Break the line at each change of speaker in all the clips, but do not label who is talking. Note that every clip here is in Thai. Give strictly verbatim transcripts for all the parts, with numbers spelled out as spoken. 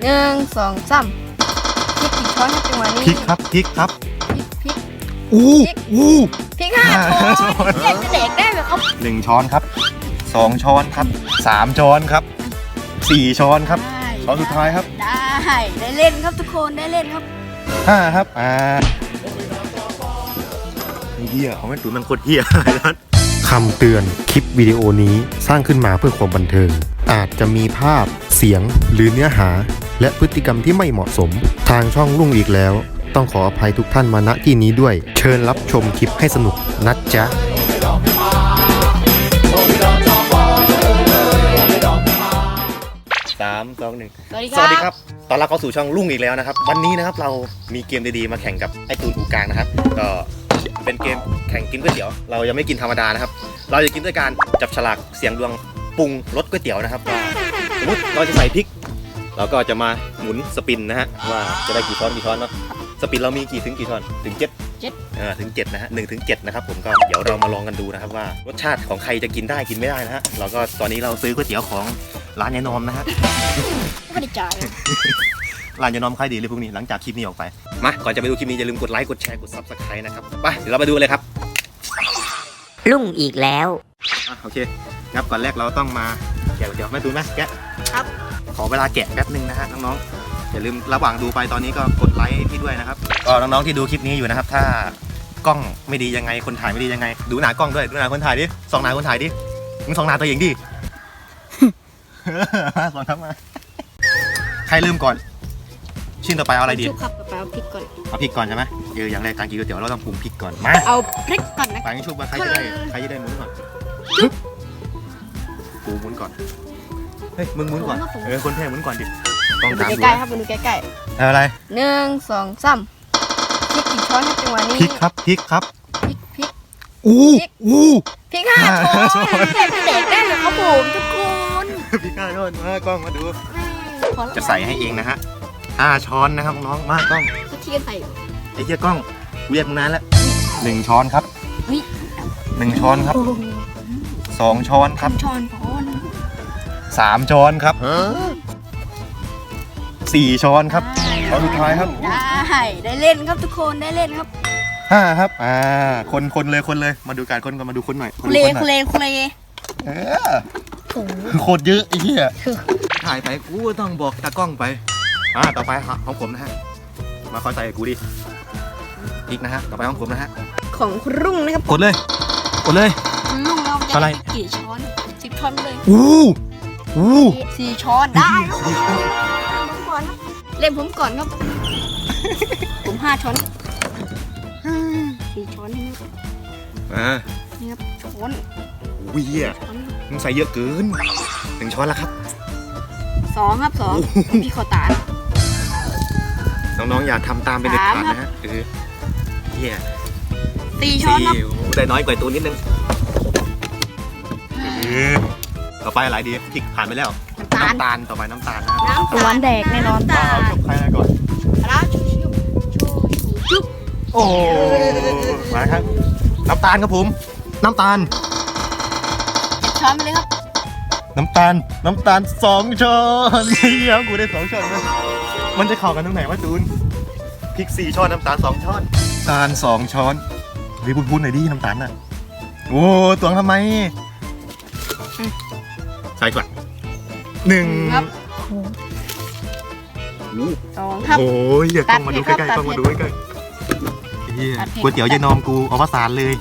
หนึ่งสองสามพริกกี่ช้อนครับจังหวะนี้
พริกครับพริกครับ
พริกพริก
อู้อู้
พริกห้าช้อนเด็กจะเด็กได้ไหมครับ
หนึ่งช้อนครับสองช้อนครับสามช้อนครับสี่ช้อนครับช้อนสุดท้ายครับ
ได้ได้เล่นครับทุกคนได้เล่นครับ
ห้าครับอ่าเฮียเขาไม่ตุ๋นมันโคตรเฮียนะคำเตือนคลิปวิดีโอนี้สร้างขึ้นมาเพื่อความบันเทิงอาจจะมีภาพเสียงหรือเนื้อหาและพฤติกรรมที่ไม่เหมาะสมทางช่องรุ่งอีกแล้วต้องขออภัยทุกท่านมาณที่นี้ด้วยเชิญรับชมคลิปให้สนุกนะจ๊ะสามสองหนึ่งสวัสดีครับตอนรับเข้าสู่ช่องรุ่งอีกแล้วนะครับวันนี้นะครับเรามีเกมดีๆมาแข่งกับไอตูนอูกลางนะครับก็เป็นเกมแข่งกินก๋วยเตี๋ยวเรายังไม่กินธรรมดานะครับเราจะกินด้วยการจับฉลากเสียงดวงปรุงรสก๋วยเตี๋ยวนะครับสมมติเราจะใส่พริกเราก็จะมาหมุนสปินนะฮะว่าจะได้กี่ช้อนกี่ช้อนเนาะสปินเรามีกี่ถึงกี่ช้อนถึงเจ็ด
เจ็ด
เออถึงเจ็ดนะฮะหนึ่งถึงเจ็ดนะครับผมก็เดี๋ยวเรามาลองกันดูนะครับว่ารสชาติของใครจะกินได้กินไม่ได้นะฮะเราก็ตอนนี้เราซื้อก๋วยเตี๋ยวของร้านยายนอมนะฮะ
ไม่ได้จ่าย
ร้านยายนอมขายดีเลยพวกนี้หลังจากคลิปนี้ออกไปมาก่อนจะไปดูคลิปนี้อย่าลืมกดไลค์กดแชร์กด ซับสไครบ์ นะครับไปเดี๋ยวเราไปดูเลยครับ
รุ่งอีกแล้ว
อ่ะโอเคงับก่อนแรกเราต้องมาแกะก๋วยเตี๋ยวแม่ตูนไหมแกะ
ครับ
ขอเวลาแกะแป๊บนึงนะฮะน้องๆอย่าลืมระหว่างดูไปตอนนี้ก็กดไลค์พี่ด้วยนะครับก็น้องๆที่ดูคลิปนี้อยู่นะครับถ้ากล้องไม่ดียังไงคนถ่ายไม่ดียังไงดูหน้ากล้องด้วยดูหน้าคนถ่ายดิส่องหน้าคนถ่ายดิมึงส่องหน้าตัวเองดิ มาส่องครับมาใครลืมก่อนชิ้นต่อไปเอาอะไรดี
ชุบครับกับเอาพริกก่อน
เอาพริกก่อนใช่ไหมเอออย่างแรกการกินก๋วยเตี๋ยวเราต้องปรุงพริกก่อนมา
เอาพริกก่อนนะ
ไปงั้นชุบมาใครจะได้ใครจะได้หมุนก่อนกูหมุนก่อนเฮ้ยมึงหมุนก่อนเออคนแพ้หมุนก่อนดิต้องตามดู
ใกล้ๆครับมาดูใกล้
ๆอะไร
ๆหนึ่งสองสามพริกกี่ช้อนครับจังหวะนี้
พริกครับพริกครับ
พริกพริก
อู้อู้
พริกห้าช้อนเด็กจะเด็กได้ไหมครับผมทุกคน
พริกห้าช้อนมากล้องมาดูจะใส่ให้เองนะฮะห้าช้อนนะครับน้องมากล้อง
เขาเทียนใส่
ไอ้เหี้ยกล้องเรียกมึงนานแล้วหนึ่งช้อนครับหนึ่งช้อนครับสองช้อนครับ
ช้อนช้อน
สามช้อนครับสี่ช้อนครับช้อนสุดท้ายครับ
ได้ได้เล่นครับทุกคนได้เล่นครับ
ห้าครับอ่าคนคนเลยคนเลยมาดูการคนกันมาดูคนหน่อย
คุเลคุเลคุเล
เออโคตรเยอะไอ้เหี้ยถ่ายไปกูต้องบอกตากล้องไปอ่าต่อไปของผมนะฮะมาคอยใส่กูดิอีกนะฮะต่อไปของผมนะฮะ
ของคุณรุ่งนะครับ
กดเลยกดเลย
คุณรุ่งเราจะได้กี่ช้อนสิบช้อนเลย
อู้อู้
สี่ช้อนได้ครับเล่นผมก่อนครับผมห้าช้อนสี่ช้อนนี่ครับ
อ่า
นี่ครับช้อน
วิ่งมึงใส่เยอะเกินหนึ่งช้อนแล้วครับ
สองครับสองพี่ขอตา
น้องๆอย่าทำตามเป็นเด็ดขาดนะฮะเออเฮีย
สี่ช้อนครับ
ได้น้อยกว่าตัวนิดนึงต่อไปอะไรดีพริกผ่านไปแล้วน้ำตาลต่อไปน้ำตาลนะ
น้ำตาลแดกแน่นอน
เอาจบใครก่อน
แล้วชุบชุบ
โอ้มาครับน้ำตาลครับผมน้ำตาล
ช้อนไปเลยครับ
น้ำตาลน้ำตาลสองช้อนเฮียกูได้สองช้อนเลยมันจะเข้ากันตรงไหนวะจูนพริกสี่ช้อนน้ำตาลสองช้อนน้ำตาลสองช้อนรีบพูดหน่อยดิน้ำตาลน่ะโอ้ตวงทำไมใส่ก่อนหนึ่ง
ครับสองครับ
โอ้ยอย่ากล้องมาดูใกล้ๆกล้องมาดูใกล้ๆก๋วยเตี๋ยวยายนอมกูเอาภาษาเลย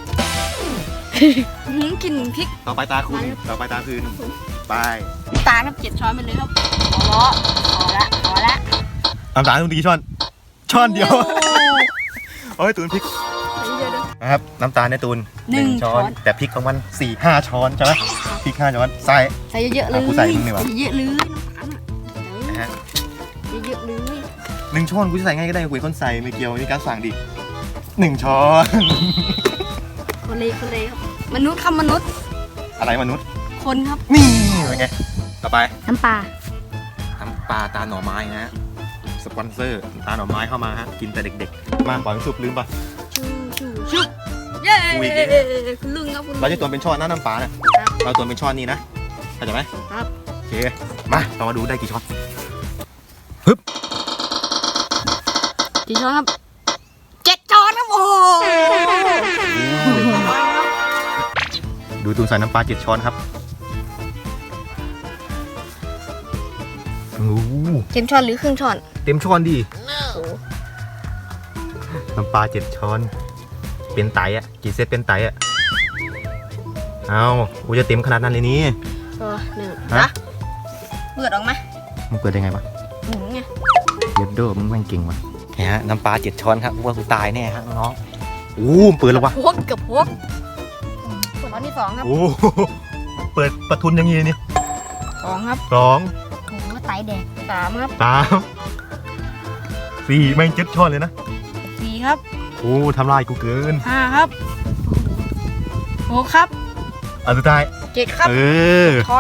กินพริก
ต่อไปตาคุณต่อไปตาคืนไป
ตาครับเจ็ดช้อนไปเลยครับพอพอละพอละ
น้ำตาลต้องกี่ช้อนช้อนเดียวโอ้ยตูนพริกนะครับน้ำตาลในตูนหนึ่งช้อนแต่พริกของมันสี่ห้าช้อนใช่ไหมพริกห้าช้อนใส่
ใส่เยอะๆเลย
กูใส่มึงนี่วะ
เยอะเลยนะฮะเยอะเลย
หนึ่งช้อนกูจะใส่ง่ายก็ได้กูเป็นคนใส่ไม่เกี่ยวนี่การสั่งดิหนึ่งช้อน
คนเลยคนเลยครับมนุษย์ครับมนุษย์
อะไรมนุษย์
คนครับ
นี่เป็นไงต่อไป
น้ำปลา
น้ำปลาตาหน่อไม้นะสปอนเซอร์ตาหน่อไม้เข้ามาฮะกินแต่เด็กๆมาปล่อยชุบลืมปะ
ชุบชุบชุบเย้คุณลุงครับคุณ
เราจะตัวเป็นช้อนนะน้ำปลาเนี่ยเราตัวเป็นช้อนนี่นะเข้าใจไหม
ครับ
โอเคมาเรามาดูได้กี่ช้อนฮึบ
กี่ช้อนครับเจ็ดช้อนครับโอ้
ดูตูนใส่น้ำปลาเจ็ดช้อนครับโอ้
เต็มช้อนหรือครึ่งช้อน
เต็มช้อนดิ
โอ้
น้ำปลาเจ็ดช้อนเป็นไตอ่ะกี่เซตเป็นไตอ่ะเอากูจะเต็มขนาดนั้นเลยนี่
ตัวหนึ่ง
ฮะ
นะเปิดออกมา
มึงเปิดได้ไงวะ
หมุนไง
เย็ดโดมึงแม่งเก่งว่ะนี่ฮะน้ำปลาเจ็ดช้อนครับว่ากูตายแน่ฮะน้องๆโอ้เปิดแล้ววะ
พวกกับพวกช้อนที่สองครับ
โอ้เปิดประทุนอย่างงี้นี่
สองครับ
สอง
โอ้โหไตแดงสามครับ
สามสี่แม่งเจ็ดช้อนเลยนะ
สี่ครับ
โอ้ทำลายกูเกิน
ห้าครับหกครับ
อันสุดท้าย
เจ็ดครับ
เออ
ช้อน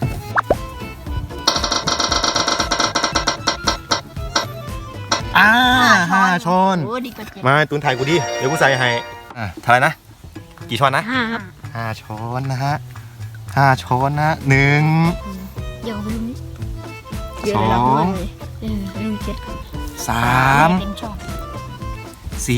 อ่าห้าช้อน
โอ้ดีกว่าเจ็ด
มาตุนถ่ายกูดิเดี๋ยวกูใส่ให้อ่ะเท่าไหร่นะกี่ช้อนนะ
ห้าครับ
ห้าช้อนนะฮะห้าช้อนนะหนึ่ง
เดี๋ยวไปดูนี่เดี๋ยวเลยเรา
สอง
เลยเออไปดูเจ็ดครับ
สาม
เป็นช้อน
สี่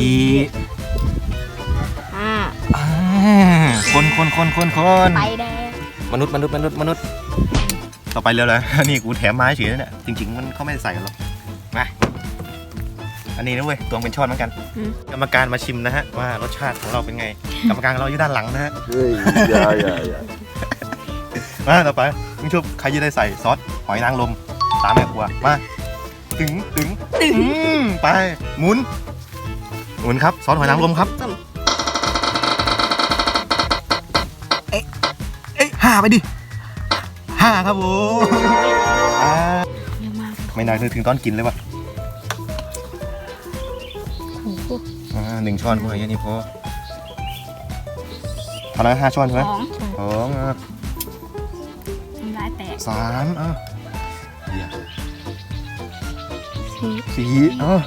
ห้า
อ่าคนคนคนคนคน
ไตแดง
มนุษย์มนุษย์มนุษย์มนุษย์ต่อไปเร็วเลย นี่กูแถมไม้เฉยๆเนี่ยจริงๆมันเขาไม่ได้ใส่กันหรอกมาอันนี้นะเว้ยตวงเป็นช้อนเหมือนกัน กรรมการมาชิมนะฮะว่ารสชาติของเราเป็นไง กรรมการของเราอยู่ด้านหลังนะฮะ
เฮ้ยอย่าอย่าอย่า
มาต่อไปมึงชอบใครจะได้ใส่ซอสหอยนางรมตามแม่ครัวมาถึงถึงอืมไปหมุนหมุนครับซอสหอยนางรมครับ
ต้ม
เอ้ยห้าไปดิห้าครับผมอ่า
เยอะมาก
ไม่นานนึกถึงตอนกินเลยว่ะ
โอ้โห
อ่าหนึ่งช้อนพออย่างนี้พอเท่าไหร่ห้าช้อนใช่ไหม
สอง
สองอ่ะ
น้ำลายแตก
สามอ่ะเหี้ย
สี่
สี่อ่ะ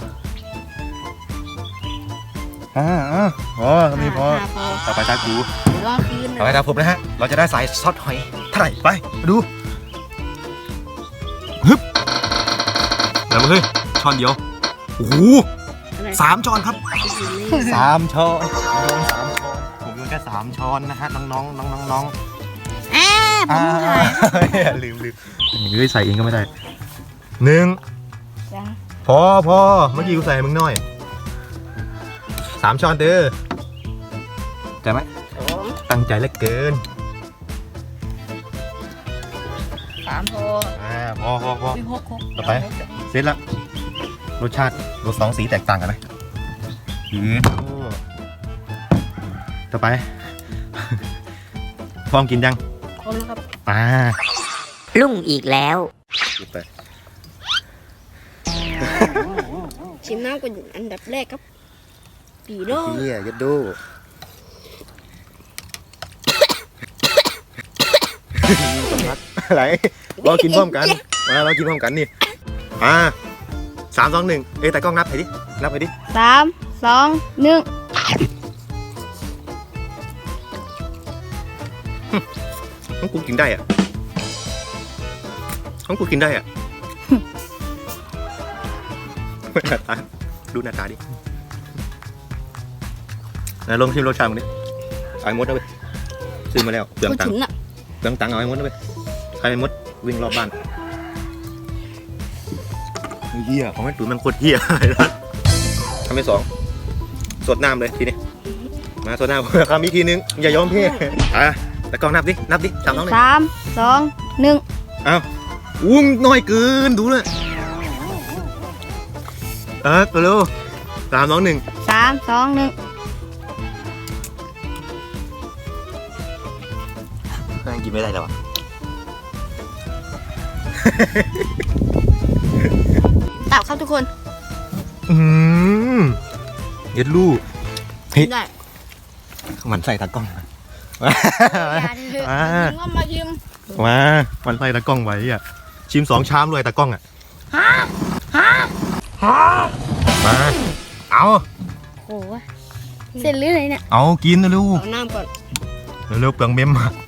ห้าอ่ะพอทำนี้พอ
ห้าพอ
ต่อไปตากู
เดี๋ยวรอคืน
ต่อไปตาผมนะฮะเราจะได้ใส่ซอสหอยเท่าไหร่ไปมาดูฮึบเดี๋ยวมาเฮ้ยช้อนเดียวโอ้โหสามช้อนครับ สามช้อนโยนสามช้อนผมโยนแค่สามช้อนนะฮะน้องน้องน้องน้องน้อง
แอบผมถ่าย
ลืมลืมเฮ้ยใส่เองก็ไม่ได้หนึ่ง
ยัง
พอพอเมื่อกี้กูใส่ให้มึงหน่อยสามช้อนเด้อใจไหม
สอง
ตั้งใจเหลือเกิน
สามพอ
อ่าพอพอพอ
วิหกหก
ต่อไป เสร็จละรสชาติรสสองสีแตกต่างกันไหมอืมต่อไป พร้อมกินยัง
ครบแล้วครับ
อ่า
ลุ่งอีกแล้ว
ไป
ชิมน้ำก่อนอันดับแรกครับ ปีโด
เฮียยัดดูอะไรเรากินพร้อมกันมาเรากินพร้อมกันนี่อ่าสามสองหนึ่งเอ้ยแต่กล้องนับไปดินับไปดิ
สามสองหนึ่ง
ของกูกินได้อะของกูกินได้อะ หน้าตาดูหน้าตาดิไหนลองชิมรสชาติมันดิเอาไอ้มดเอาไปซื้อมาแล้วเปลือง
พูด
ตัง
ถึ
ค์
งอ่ะ
เปลืองตังค์เอาไอ้มดเอาไปใครไอ้มดวิ่งรอบบ้านเฮียของแม่ตุ๋ยมันโคตรเฮียเลยทำไปสองสดน้ำเลยทีนี้มาสดน้ำคำอีกทีนึงอย่ายอมพี่อ่ะแต่กล้องนับดินับดิสามน้องเลย
สามสองหนึ่ง
อ้าวอุ้งน้อยเกินดูเลยเออตัวเร็วสามสองหนึ่ง
สามสองหนึ่ง
นั่งกินไม่ได้แล้วอ่ะ
ตับครับทุกคน
อืมเย็ดลูกเฮ้ย
ได้
หมันใส่ตากล้อง
อย่าดิเถอะ
อ่า
ยิงว่ามายิม
มามันใส่ตากล้องไว้อ่ะชิมสองชามเลยตากล้องอ่ะ
ฮะฮะฮะ
มาเอา
โอ้ยเสร็จหรืออะไรเนี่ย
เอากินนะลูก
เอาน้ำก่อน
เร็วๆเปลืองเมมอะ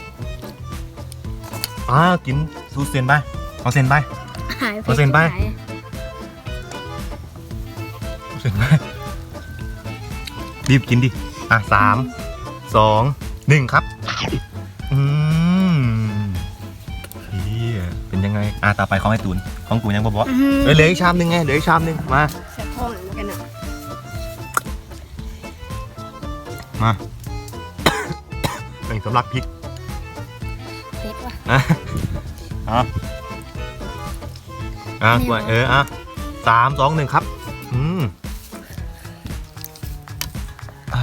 อ่ากินซูเซนไปเอาเซนไป
หาย
เปอร์เซ็นต์ไป
หาย
อรู้สึกว่ารีบกินดิอ่ะสามสองหนึ่งครับอืมเฮียเป็นยังไงอ่ะต่อไปของไอ้ตูนของกูยังบ่บอกเอ้ยเหลืออีกชามหนึ่งไงเหลืออีกชามหนึ่งมา
แสบท้องเหมือนกันอ่ะ
มาหนึ่งสำลักพริก
เผ็ดว่ะ
อ่ะอ่ะอ่ะกวนเอออ่ะสามสองหนึ่งครับอืมอ่า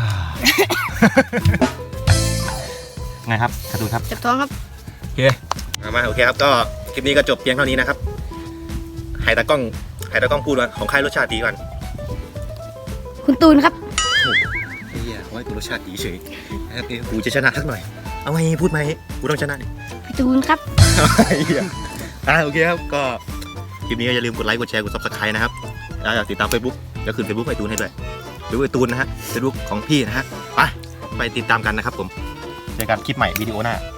ไงครับการ์ตูนครับ
แสบท้องครับ
โอเคมามาโอเคครับก็คลิปนี้ก็จบเพียงเท่านี้นะครับให้ตากล้องให้ตากล้องพูดว่าของใครรสชาติดีก่อน
คุณตูนครับ
เฮียเขาให้กูรสชาติดีเฉยโอเคกูจะชนะสักหน่อยเอาไงพูดไหมกูต้องชนะดิ
พี่ตูนครับ
เฮียอ่ะโอเคครับก็คลิปนี้ก็อย่าลืมกดไลค์กดแชร์กด ซับสไครบ์ นะครับแล้วอยากติดตาม Facebook แล้วขึ้น Facebook ไอตูนให้ด้วยหรือไอตูนนะฮะ Facebook ของพี่นะฮะไปไปติดตามกันนะครับผมเจอกันคลิปใหม่วิดีโอหน้า